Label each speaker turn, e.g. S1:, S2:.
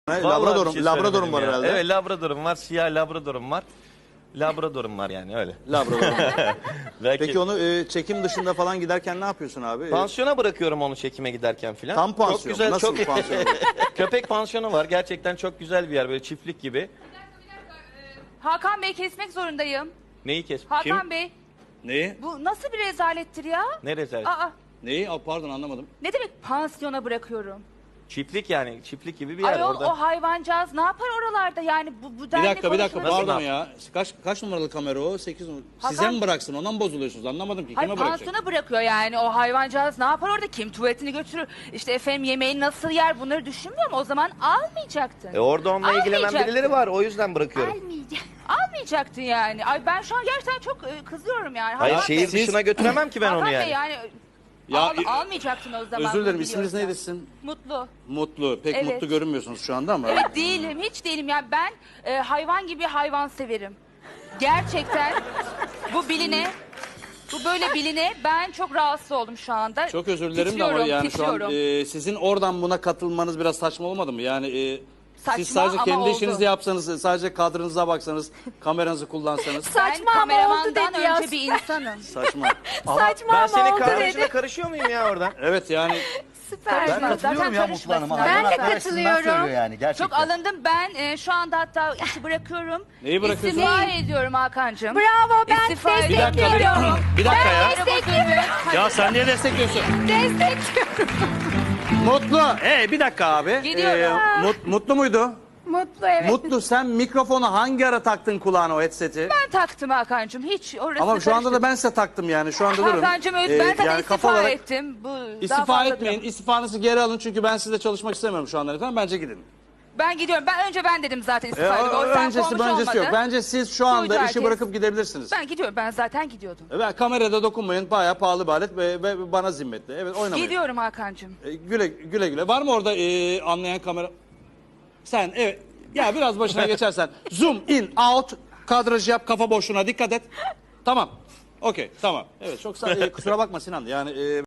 S1: Labradorum,
S2: şey
S1: Labradorum var
S2: ya.
S1: herhalde.
S2: Evet, Labradorum var, siyah Labradorum var. Labradorum var yani öyle.
S1: Labradorum.
S2: Belki
S1: Peki onu çekim dışında falan giderken ne yapıyorsun abi?
S2: pansiyona bırakıyorum onu çekime giderken filan.
S1: Tam pansiyon.
S2: Çok güzel,
S1: Nasıl
S2: çok
S1: pansiyon?
S2: köpek pansiyonu var. Gerçekten çok güzel bir yer, böyle çiftlik gibi.
S3: Hakan Bey, kesmek zorundayım.
S2: Neyi kes?
S3: Hakan Bey,
S1: Neyi?
S3: bu nasıl bir rezalettir ya?
S2: Ne rezalet?
S3: Aa,
S1: Neyi? Pardon anlamadım.
S3: ne demek pansiyona bırakıyorum?
S2: Çiftlik yani, çiftlik gibi bir yer
S3: Ayol,
S2: orada.
S3: o hayvancağız ne yapar oralarda yani bu
S1: Bir
S3: denli
S1: dakika
S3: konuşulur
S1: pardon
S3: değil.
S1: ya. Kaç numaralı kamera o? 8 numaralı. Size
S3: Hakan-
S1: mi bıraksın? Ondan mı bozuluyorsunuz? Anlamadım ki.
S3: Hayır,
S1: Kime bırakacak?
S3: pansiyona bırakıyor yani o hayvancağız ne yapar orada, kim tuvaletini götürür, işte efendim yemeğini nasıl yer, bunları düşünmüyor mu? O zaman almayacaktın.
S2: Orada onunla ilgilenen
S3: Almayacaktın.
S2: birileri var, o yüzden bırakıyorum.
S3: Almayacaktın yani. Ay ben şu an gerçekten çok kızıyorum yani.
S2: Hayır,
S3: Hakan
S2: şehir
S3: Bey,
S2: dışına götüremem ki ben
S3: Hakan
S2: onu
S3: Bey
S2: yani.
S3: yani
S1: Ya,
S3: almayacaktın o zaman.
S1: Özür dilerim.
S3: bunu
S1: İsminiz
S3: biliyorsan.
S1: neydi sizin?
S3: Mutlu.
S1: Mutlu. Pek
S3: Evet.
S1: mutlu görünmüyorsunuz şu anda ama.
S3: Evet değilim, hiç değilim. Yani ben hayvan gibi hayvan severim. Gerçekten bu böyle biline ben çok rahatsız oldum şu anda.
S1: Çok özür dilerim de ama
S3: Titriyorum,
S1: yani şu an
S3: titriyorum.
S1: sizin oradan buna katılmanız biraz saçma olmadı mı? Yani
S3: Saçma
S1: siz sadece
S3: ama
S1: kendi
S3: oldu.
S1: işinizi yapsanız, sadece kadrınıza baksanız, kameranızı kullansanız.
S3: Ben
S4: Saçma ama oldu
S3: kameramandan
S4: dedi ya.
S3: önce bir insanım.
S1: Saçma.
S4: Saçma
S2: Ben
S4: ama
S2: senin
S4: oldu
S2: kahve
S4: dedi.
S2: işine karışıyor muyum ya oradan?
S1: Evet yani
S4: Süper.
S3: Ben
S5: Katılıyorum ya Mutlu Hanım'a.
S4: Ben de
S5: Hayvanat
S4: katılıyorum.
S5: arasından söylüyor yani gerçekten.
S3: Çok alındım. Ben şu anda hatta işi bırakıyorum.
S1: Neyi bırakıyorsun?
S3: İstifa ediyorum Hakan'cığım.
S4: Bravo, ben
S3: İstifa
S1: bir dakika,
S3: ediyorum.
S1: bir dakika ya.
S3: Destekliyorum.
S1: Ya sen niye destekliyorsun?
S4: Destekliyorum.
S1: Mutlu. Bir dakika abi.
S3: Gidiyorum.
S1: Mutlu muydu?
S4: Mutlu, evet.
S1: Mutlu, sen mikrofonu hangi ara taktın kulağına, o headseti?
S3: Ben taktım Hakan'cığım. Hiç orası
S1: Ama şu anda da ben size taktım yani. Şu anda durun.
S3: Hakan'cığım ben zaten
S1: yani
S3: istifa
S1: kafa olarak
S3: ettim. Bu daha
S1: İstifa
S3: fazla
S1: etmeyin.
S3: duramam.
S1: İstifanızı geri alın çünkü ben sizle çalışmak istemiyorum şu anda. Efendim bence gidin.
S3: Ben gidiyorum. Ben dedim zaten istifa ediyorum. O yüzden
S1: Öncesi
S3: olmuş
S1: yok.
S3: olmadı.
S1: Bence siz şu anda
S3: Duydu
S1: işi
S3: herkes.
S1: bırakıp gidebilirsiniz.
S3: Ben gidiyorum. Ben zaten gidiyordum.
S1: Kamerada dokunmayın. Bayağı pahalı bir alet ve bana zimmetli. Evet, oynamayın.
S3: Gidiyorum Hakan'cığım.
S1: Güle güle. Var mı orada anlayan kamera? Sen evet. Ya biraz başına geçersen. Zoom in out. Kadraj yap. Kafa boşluğuna dikkat et. Tamam. Okey tamam. Evet çok kusura bakma Sinan. Yani